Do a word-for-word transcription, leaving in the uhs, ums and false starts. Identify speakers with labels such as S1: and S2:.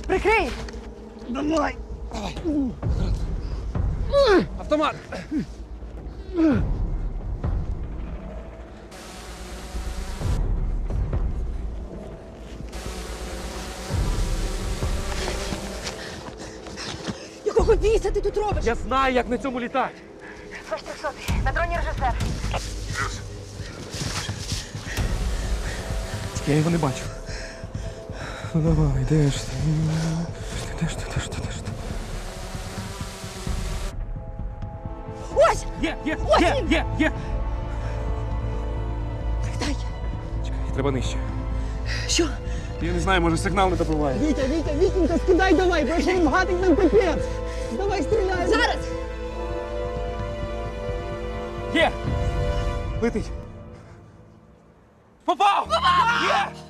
S1: Прикрий!
S2: Давай! Давай! Автомат!
S1: Якого біса ти тут робиш?
S2: Я знаю, як на цьому літати.
S1: Ваш трьохсотий. На дроні режисер.
S2: Я його не бачу. Ну давай, де ж ти? Де ж ти, де ж ти, де ж ти?
S1: Ось!
S2: Є, є,
S1: Ось
S2: є,
S1: він!
S2: є, є!
S1: Дай.
S2: Чекай, треба нижче.
S1: Що?
S2: Я не знаю, може сигнал не добиває.
S3: Вітя, Вітя, Вітенька, скидай давай, бо якщо він гатить нам капець. Давай стріляй.
S1: Зараз!
S2: Є! Летить! Попав! Попав! Є!